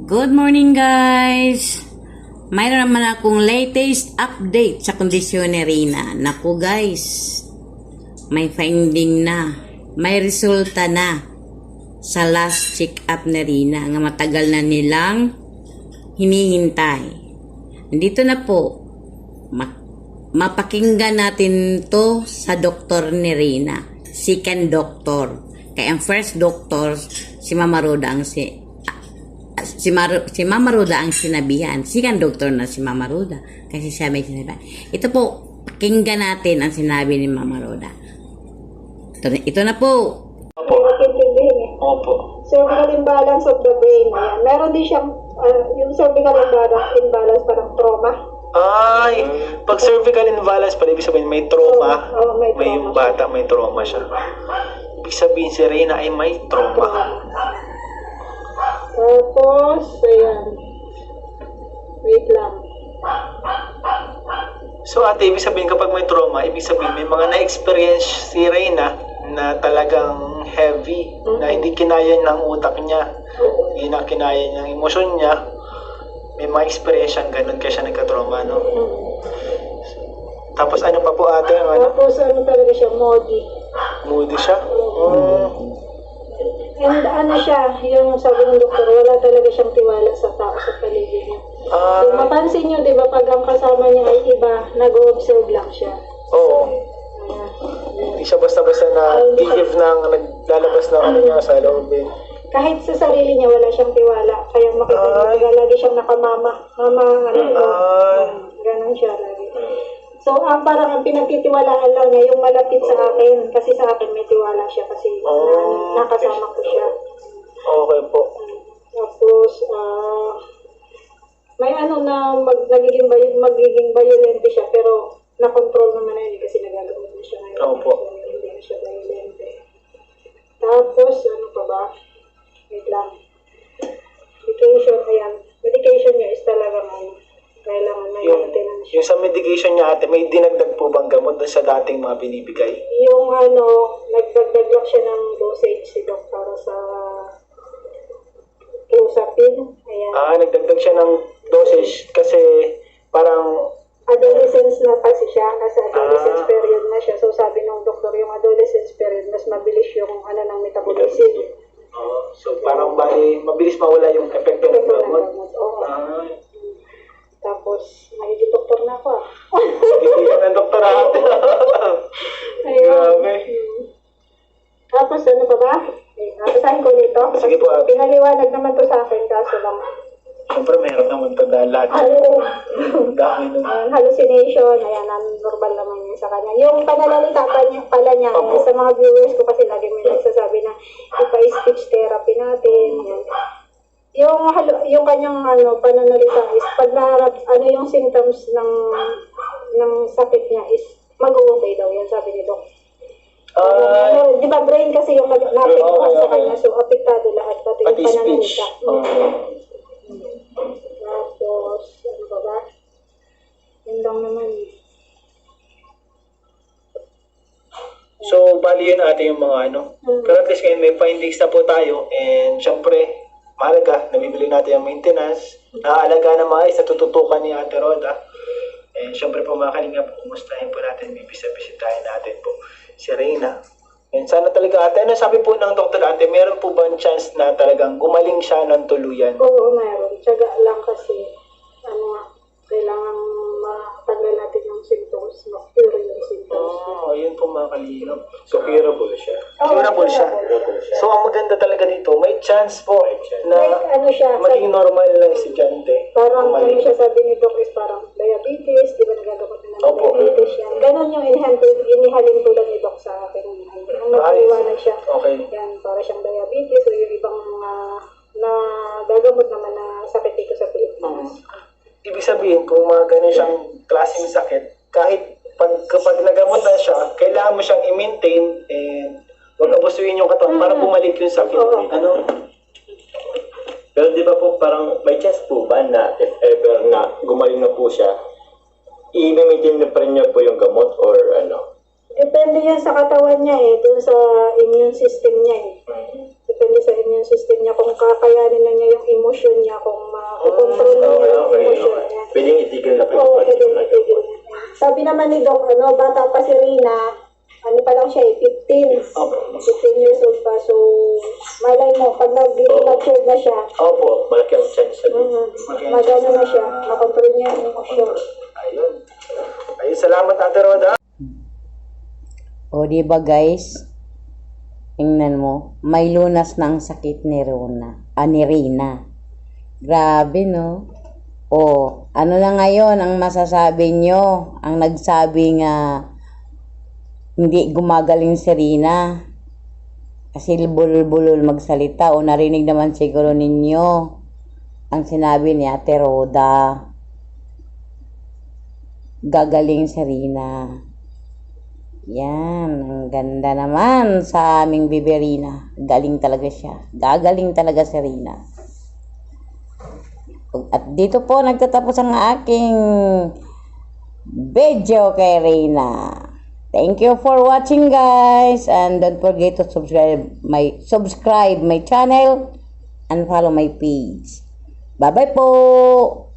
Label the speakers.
Speaker 1: Good morning guys! Mayroon naman akong latest update sa kondisyon ni Rina. Naku guys, may finding na. May resulta na sa last check-up ni Rina nga matagal na nilang hinihintay. Nandito na po. Mapakinggan natin to sa doktor ni Rina. Second doctor. Kaya ang first doctor, si Mama Roda ang si Mama Roda ang sinabihan. Second doctor na si Mama Roda. Kasi siya may sinabihan. Ito po, pakinggan natin ang sinabi ni Mama Roda. Ito na po.
Speaker 2: Opo. Opo.
Speaker 3: Cervical imbalance of the brain. Ayan. Meron din siyang, yung cervical imbalance parang trauma.
Speaker 2: Ay, pag cervical imbalance pala, ibig sabihin may trauma.
Speaker 3: May
Speaker 2: May yung bata, may trauma siya. Ibig sabihin si Reyna ay may trauma.
Speaker 3: Tapos, ayan. Wait lang.
Speaker 2: So ate, ibig sabihin kapag may trauma, ibig sabihin may mga na-experience si Reyna na talagang heavy, na hindi kinaya ng utak niya, hindi na kinaya ng emosyon niya. May mga experience siyang ganun kaya siya nagka-trauma, no? Tapos ano pa po ate?
Speaker 3: Tapos, talaga siya, moody.
Speaker 2: Moody siya?
Speaker 3: And siya, yung sabi ng doktor, wala talaga siyang tiwala sa tao sa paligid niya. So, mapansin niyo, di ba, pag ang kasama niya ay iba, nag-observe lang siya.
Speaker 2: Oo. Hindi siya basta-basta na give ng naglalabas ng ano niya sa loob eh.
Speaker 3: Kahit sa sarili niya, wala siyang tiwala. Kaya makita niyo, lagi siyang nakamama. Ganon siya lagi. So, parang ang pinagtitiwalaan lang niya, yung malapit sa akin. Kasi sa akin may tiwala siya kasi nakasama ko siya.
Speaker 2: Okay po.
Speaker 3: Tapos, may na magiging violente siya, pero na-control naman na yun kasi nagagamit na siya ngayon.
Speaker 2: Opo.
Speaker 3: So, hindi na siya violente. Tapos, ano pa ba? Wait lang. Medication, ayan. Medication niya is talagang kailangan may maintenance.
Speaker 2: Yung sa medication niya ate, may dinagdag po bang gamot doon sa dating mga binibigay?
Speaker 3: Yung nagdagdag lang siya ng dosage si Doc para sa Clozapine. Ayan.
Speaker 2: Nagdagdag siya ng dosage kasi parang
Speaker 3: Adolescence na kasi siya, nasa adolescence period na siya. So sabi ng doktor, yung adolescence period, mas mabilis yung ng metabolism.
Speaker 2: so parang mabilis mawala yung epekto ng gamot.
Speaker 3: Oo. Tapos, nagiging doktor na ako
Speaker 2: Hindi ka ng doktor ate. Grabe.
Speaker 3: Tapos, ano pa ba? Basahin ko nito.
Speaker 2: Sige po, ate.
Speaker 3: Pinaliwanag naman to sa akin, kaso lang.
Speaker 2: Siyempre meron naman ito dahil lahat. Dami nun.
Speaker 3: Hallucination, ayan, normal naman yun sa kanya. Yung pananalita pala niya, sa mga viewers ko kasi lagi may nagsasabi na ipa-speech therapy natin. Yung kanyang pananalita is pag naharap, yung symptoms ng sakit niya is mag-okay daw, yan sabi ni Doc. Di ba brain kasi yung na-apektuhan sa kanya, so apektado lahat, pati yung pananalita. Tapos, ano ba ba? Yun lang naman.
Speaker 2: So, bali yun ate yung mga Pero at least ngayon may findings na po tayo. And syempre, mahalaga, nabibili natin yung maintenance. Naaalaga na maayos, natututukan ni Ate Roda. And syempre po mga kalinga po, kumustahin po natin, bibisitahin natin po si Reyna. And sana talaga ate, ano sabi po ng doktor ate, meron po ba chance na talagang gumaling siya ng tuluyan?
Speaker 3: Oo, meron. Tiyaga lang kasi, kailangan matanggal natin yung symptoms, ma-cure yung symptoms.
Speaker 2: Yun po mga kalingap.
Speaker 4: So, curable siya.
Speaker 2: Curable siya. So, ang maganda talaga dito, may chance po na
Speaker 3: Siya,
Speaker 2: maging normal na estudyante.
Speaker 3: parang siya sabi ni Doc is parang diabetes, di ba nagagamot na ng diabetes yan. Ganon yung inihalin tulad ni Doc sa akin. Ang nagpaliwanag siya.
Speaker 2: Okay.
Speaker 3: Yan, para siyang diabetes o yung ibang na gagamot naman na sakit dito sa Pilipinas.
Speaker 2: Ibig sabihin, kung mga ganun siyang klaseng sakit, kahit kapag nagamot na siya, kailangan mo siyang i-maintain and huwag abusuin yung katawan para bumalik yung sakit.
Speaker 4: Pero di ba po parang may chance po ba na if ever na gumaling na po siya, i-maintain na pa rin niya po yung gamot or
Speaker 3: Depende yan sa katawan niya dun sa immune system niya Depende sa immune system niya kung kakayanin na niya yung emosyon niya, kung makukontrol niya
Speaker 4: Okay,
Speaker 3: yung
Speaker 4: okay,
Speaker 3: emosyon
Speaker 4: okay.
Speaker 3: niya.
Speaker 4: Pwedeng itigil na po
Speaker 3: Oo,
Speaker 4: yung
Speaker 3: pwede
Speaker 4: pag-inom.
Speaker 3: itigil. Sabi naman ni Doc, bata pa si Rina, ano pa lang siya 15.
Speaker 2: Opo.
Speaker 3: 15 years old pa. So, malay mo, pag nag-mature na siya,
Speaker 2: Opo.
Speaker 4: Malaki ang chance sa
Speaker 3: magano na siya, makontrol niya yung emosyon.
Speaker 2: Ayun. Ayun, salamat Ate Roda.
Speaker 1: O, di ba guys? Tingnan mo, may lunas na ang sakit ni ni Rina. Grabe, no? O, ano na ngayon ang masasabi nyo? Ang nagsabi nga hindi gumagaling si Rina. Kasi bulol-bulol magsalita. O, narinig naman siguro ninyo ang sinabi ni Ate Roda. Gagaling si Rina. Yan, ang ganda naman sa aming Biberina. Galing talaga siya. Gagaling talaga si Rina. At dito po nagtatapos ang aking video kay Rina. Thank you for watching guys. And don't forget to subscribe my channel and follow my page. Bye-bye po!